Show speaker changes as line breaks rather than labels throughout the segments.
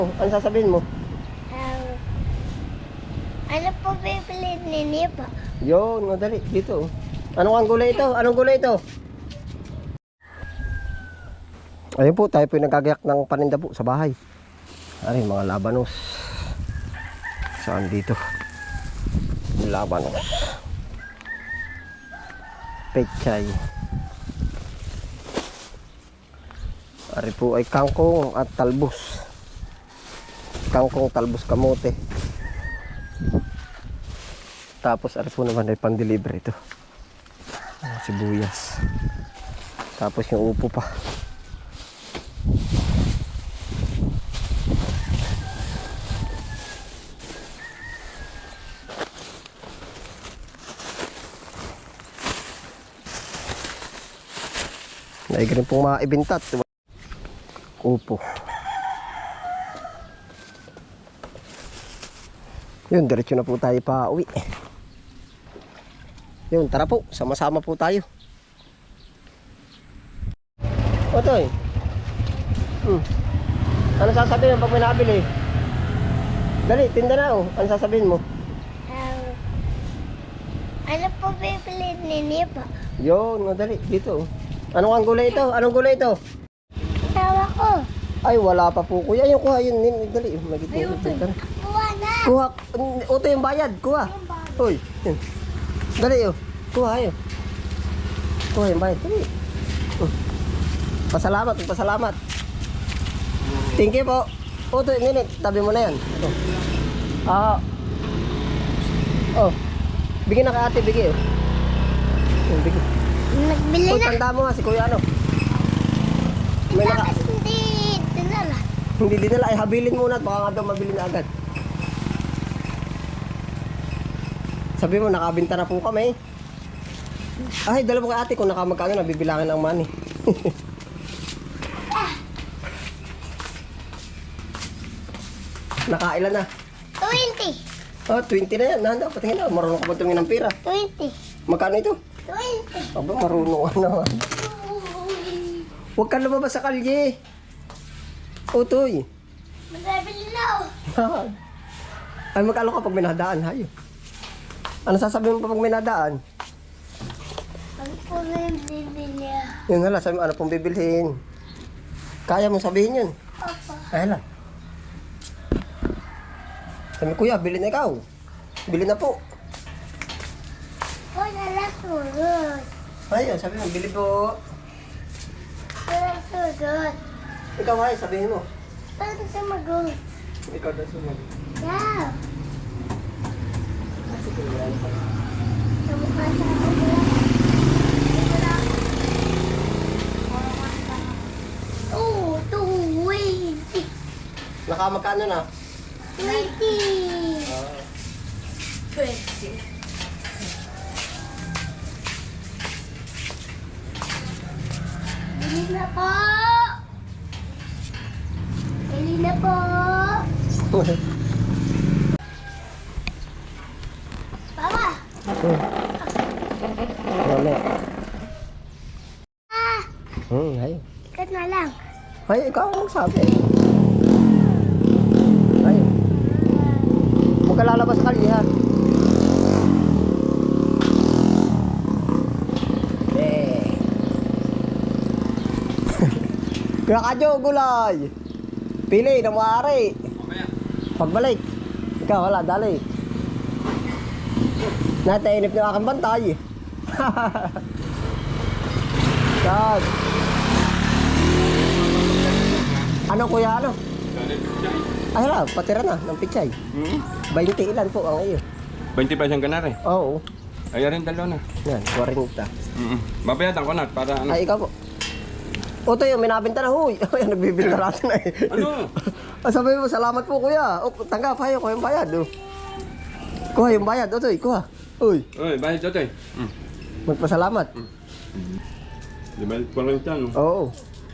Ano sasabihin mo?
Um, ano po bibili ninyo po?
Yun, madali. Dito. Anong gulay ito? Anong gulay ito? Ayun po, tayo po yung nagagayak ng paninda po sa bahay. Ay, mga labanos. Saan dito? Labanos. Pechay. Ari po ay kangkong at talbos. Kangkong, talbos, kamote. Tapos ari po naman ay pan-deliver ito. Sibuyas. Tapos yung upo pa. Naig rin pong maibintat. Upo. Yun, diretso na po tayo pa uwi. Yun, tara po. Sama-sama po tayo. Otoy. Ano sasabihin mo pag may nabili? Dali, tinda na oh. Ano sasabihin mo?
Ano po bibili ninyo po?
Yun, madali. Dito oh. Anong gulay ito? Anong gulay ito?
Tawa ko.
Ay, wala pa po kuya. Ayun, kuha yun. Dali. Magiging
Kuha na.
kuha. Oto yung bayad. Kuha. Uy. Yun. Dali oh. Kuha yun. Kuha yung bayad. Dali. Pasalamat. Pasalamat. Thank you po. Oto, nini. Tabi mo na yan. Oh. Bigyan na kay ate. Bigyan oh. Yun, bigyan.
Nagbili
Uy,
na.
tanda mo nga si kuya ano. May naka...
Bakit hindi dinala?
Hindi dinala, ay habilin muna at baka nga daw mabili na agad. Sabi mo, nakabinta na po kami. Ay, dala mo kay ate kung nakamagkano, nabibilangin ang money. Nakailan na?
20.
Oh, 20 na yan. Nanda, patingin na. Marunong ka ba tumingin ng pera?
20.
Magkano ito?
20.
Aba, marunong ka naman. Huwag ka lumabas sa kalye. Utoy.
Magbibili na ako.
Ay, magkano ka pag may nadaan, hayo. Ano sasabihin mo pa pag may nadaan?
Ano po bibili?
Yun hala, sabi mo, ano pong bibilhin? Kaya mo sabihin yun?
Opo.
Ay hala. Sabi kuya, bilhin na ikaw. Bilhin na po.
Wala lang surod.
Ayun, sabi mo, bili po.
Wala surod.
Ikaw ay, sabihin mo.
Paano sa mag-go?
Ikaw daw sumunod.
Yeah.
Sige, yan.
Sa mukha sa ako. Oh, 20.
Nakamagkano na?
20. 20. Bili na po. Bili na po. Papa.
Wala.
Ah,
Ay.
ikat na lang.
Ay, ikaw ang nagsabi. Ay. Huwag ka lalabas sa kalye, ha? Kaya kadyo, gulay. Pili, na maaari. Pagbalik. Ikaw, wala, dali. Natainip na aking bantay. Yan. Ano kuya, ano? Ay, hala, patira na ng pichay. 20 ilan po ang iyo.
20 pesos ang ganari.
Oo.
Ay, rin dalawa na.
Yan, 40.
Mabayadan ko na para ano.
Ay, ikaw po. Oto yung minabinta na, huy. Ay, nagbibinta natin na eh.
Ano?
Sabi mo, salamat po kuya. O, tanggap, hayo, kuha yung bayad. Oh. Kuha yung bayad, Otoy, kuha. Uy,
Uy, bayad dito eh.
magpasalamat.
Di ba pa rin siya, no?
Oo.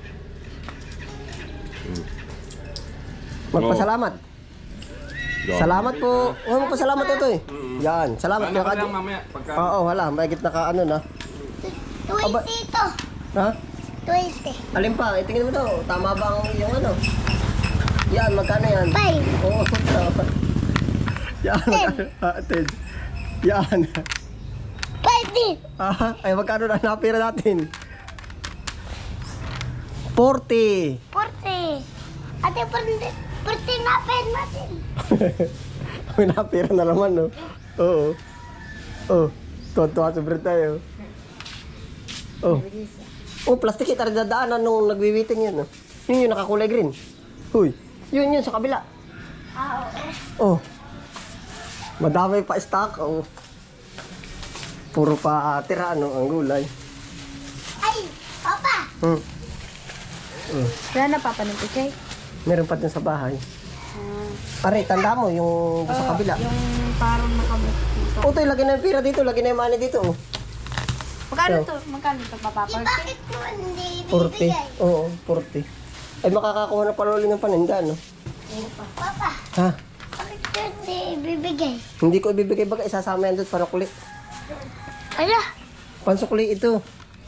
Magpasalamat. Salamat po. Oh, magpasalamat Otoy. Yan, salamat
Ano
kuya
ka
kadyo.
lang mamaya pagka...
Oo, wala, mahigit na ka ano na.
20 ito.
Ha?
20.
Alin pa? Tingnan mo to. Tama ba ang iyong ano? Yan, magkano yan?
5.
Oo. Yan, magkano? Atin. Yan.
5 din.
Ay, magkano na napira natin? 40.
40. Ate, 40 na pen natin.
May napira na naman, no? Oo. Oh, tuwa-tuwa sobre tayo. Oh. Oh, plastic ito rin dadaanan nung nagwiwiting yun, no? Yun yung nakakulay green. Huy, yun sa kabila. Oo. Oh. Madami pa stock, oh. Puro pa tira, no, ang gulay.
Ay, Papa.
Wala na papanin ko, Chay.
Meron pa dun sa bahay. Aray, tanda mo yung sa kabila.
Yung parang nakabot dito.
Oh, lagyan na yung pira dito, lagyan na yung money dito, oh.
Magkano to? Magkano to, Papa?
Eh, bakit mo hindi
40.
bibigay?
Oo, 40. Ay, makakakuha na pala ulit ng paninda, no?
Papa,
Ha?
bakit mo hindi bibigay?
Hindi ko ibibigay baga, isasama yan doon para kulit.
Ala,
Pansukli ito.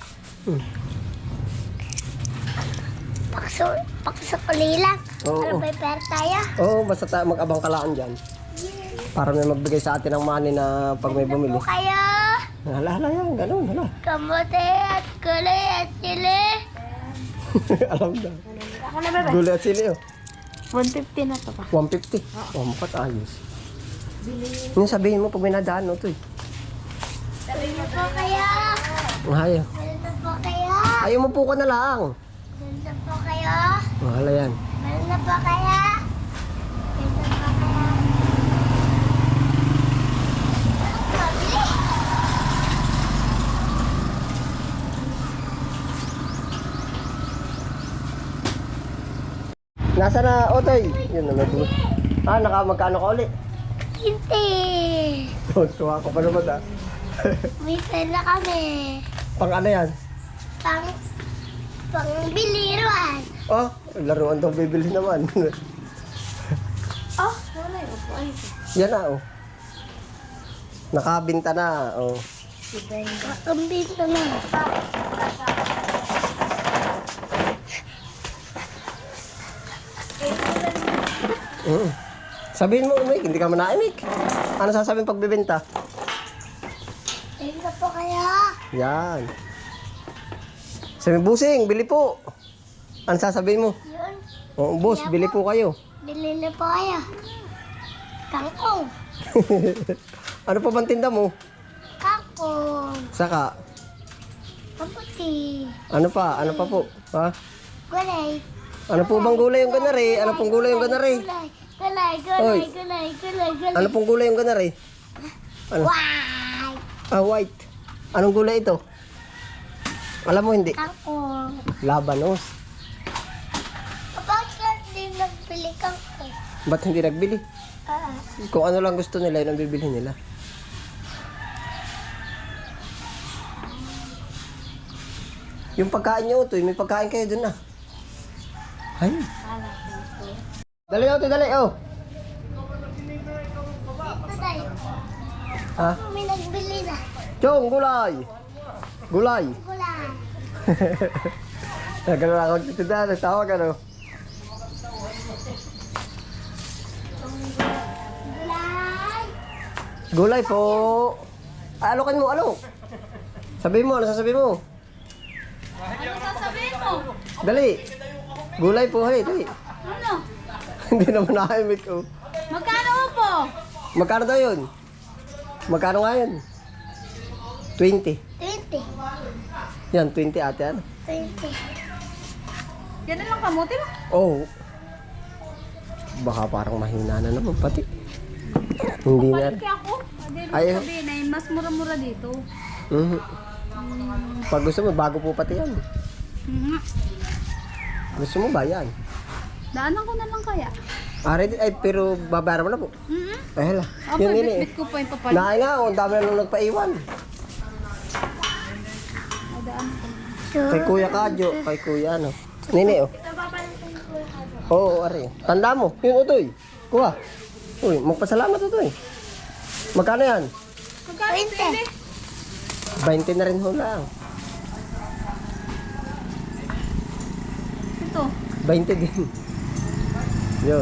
paksukuli lang.
Oo.
Ano may pera tayo?
Oo, basta mag-abang kalaan dyan. Para may magbigay sa atin ng money na pag may bumili.
Po kayo,
Hala yan, ganun, hala.
kamote at kulay at sili.
Alam na.
Ako na, bebe.
Gulay at sili, oh.
150 na to, pa.
150. Oh, mukat ayos. Yung sabihin mo pag may nadaan, no, to eh.
Sabi niyo po kayo.
Ayaw.
Meron na po kayo.
Ayaw mo po ko na lang.
Meron na po kayo.
Oh, hala yan.
Meron na po kayo. Meron na po kayo. Mabili.
Nasa na, Otoy? Yun na, nag magkano ka ulit?
Hindi.
Tuwa ko pa naman, ah.
May pera kami.
Pang ano yan?
Pang biliruan.
Oh, laruan daw bibili naman.
Oh, wala yung upuan ko.
Yan na, oh. Nakabinta na, oh.
Ang binto na.
Sabihin mo, Umik, hindi ka manaimik. Ano sasabihin pagbibenta?
Meron na po kayo.
Yan. Sabi, busing, bili po. Ano sasabihin mo?
Yun.
Oh, boss, bili po kayo.
Bili na po kayo. Kangkong.
Ano pa bang tinda mo?
Kangkong.
Saka,
Kaputi.
ano pa? Ano pa po? Ha?
Gulay.
Ano po bang gulay yung ganari? Ano pong gulay yung ganari?
Gulay.
Oy.
Gulay.
Ano pong gulay yung ganari? Ano?
Wow.
Ah, white. Anong gulay ito? Alam mo hindi?
Kangkong.
Labanos.
Bakit hindi nagbili kangkong?
Ba't hindi nagbili?
Ah.
Kung ano lang gusto nila, yun ang bibilhin nila. Yung pagkain nyo, Utoy, may pagkain kayo dun na. Ay. Dali, Utoy, dali, oh.
Ito tayo.
Ha?
May nagbili na.
Chong, gulay. Gulay.
Gulay.
Nagano ako dito na, nagtawag ano.
Gulay.
Gulay po. Alokin mo, alok. Sabihin mo, ano sasabihin mo?
Ano sasabihin mo?
Dali. Gulay po, hey, dali.
Ano?
Hindi naman nakaimik ko.
Magkano po?
Magkano daw yun? Magkano nga yun? 20.
20.
Yan, 20 ate, ano?
20.
Yan na lang kamote ba?
Oh. Baka parang mahina na naman pati. Hindi na.
Balik ako.
Ay,
Sabihin ay mas mura-mura dito.
mhm. Pag gusto mo, bago po pati yan. Gusto mo ba yan?
Daanan ko na lang kaya.
Ready? Ay, pero babayaran mo na po. Ay, hala.
Opo,
Yun, yun eh.
bit-bit ko po yung papalit.
Naay nga, ang dami na nung nagpaiwan.
Ay, daan ko.
Kay Kuya Kadyo, kay Kuya ano. Nini, oh. Oo, ari. Tanda mo, yun, Utoy. Kuha. Uy, magpasalamat, Utoy. Magkano yan?
Magkano
20.
20 na rin ho lang.
Ito.
20 din. Yun.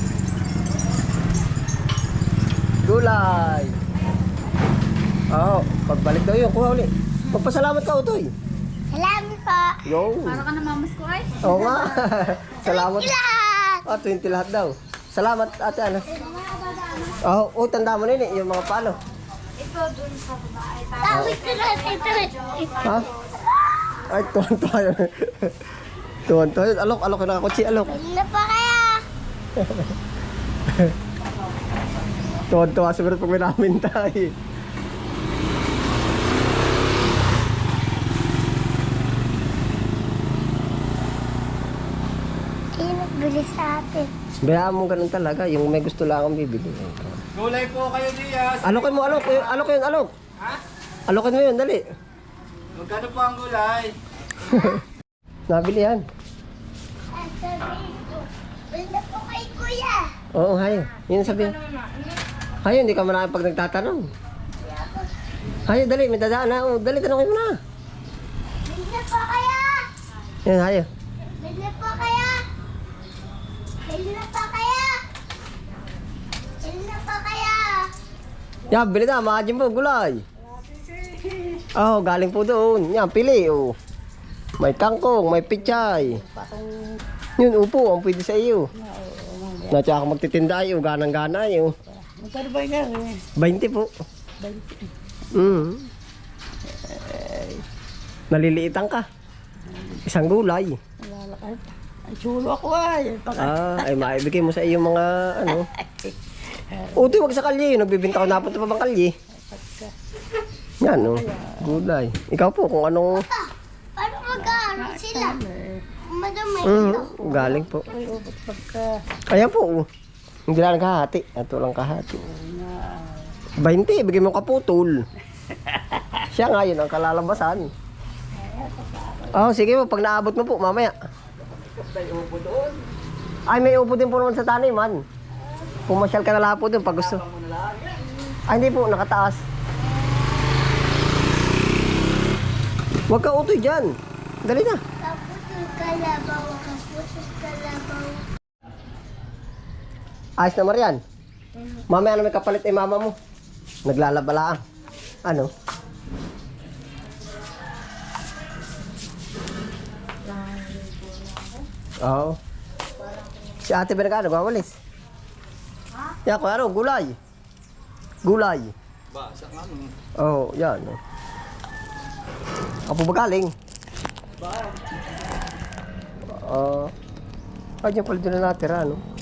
Gulay. Oo, pagbalik daw yun, kuha ulit. Magpasalamat ka, Utoy.
Salamat po.
Yo.
Para ka na mamas ko ay.
Oo nga. Salamat.
Lahat.
Ah, 20 lahat daw. Salamat, ate, ano. Oh, tanda mo na yun, yung mga palo.
Ito dun sa babae.
Tawid ko lahat ito.
Ha? Ay, tuwan-tuwa yun. Tuwan-tuwa yun. Alok yun, nakakutsi, alok.
Bili na pa kaya.
Tuwan-tuwa siguro pag may namin tayo.
Sino nagbili sa atin?
Bayaan mo ganun talaga, yung may gusto lang akong bibili.
Gulay po kayo diya.
Alokin mo, alok yun, alok.
Ha?
Alokin mo yun, dali.
Magkano po ang gulay?
Nabili yan.
Ang sabihin ko, bili na po kay kuya.
Oo, hayo. Yun sabihin. Hayo, hindi ka manakit pag nagtatanong. Hayo, dali, may dadaan na. Oh, dali, tanongin mo na.
Bili na po kaya.
Yan, hayo.
Bili na po kaya. Bili na po kaya. Bili na po kaya.
Yan, bili na, maadyan po, gulay. Oh, galing po doon. Yan, pili, oh. May kangkong, may pichay. Yun, upo, ang pwede sa iyo. Natsa ako magtitinda ayo, ganang-gana ayo.
Magkano ba yan?
20 po. 20? Naliliitan ka. Isang gulay.
Ang chulo ako ay.
Ay maibigay mo sa iyo mga ano. Utoy, wag sa kalye. Nagbibinta ko napunta pa bang kalye? Yan, oh. Gulay. Ikaw po, kung anong...
Paano mag-aaral sila? Madami.
galing po. Ayan po, oh. Hindi lang kahati. Ito lang kahati. 20, bigay mo kaputol. Siya nga yun ang kalalabasan. Oh, sige po, pag naabot mo po, mamaya. Ay, may upo din po naman sa taniman. Pumasyal ka na lang po dun pag gusto. Ay, hindi po, nakataas. Huwag ka utoy dyan. Dali na.
Kaputol kalabaw. Kaputol kalabaw.
Ayos na, Marian. Mamaya na may kapalit ay mama mo. Naglalabala. Ano? Oo. Si ate ba nagkano? Nagwawalis? Yan, kung ano, gulay. Gulay. Oo, yan. Apo ba galing? Ay, dyan pala doon na natira, ano?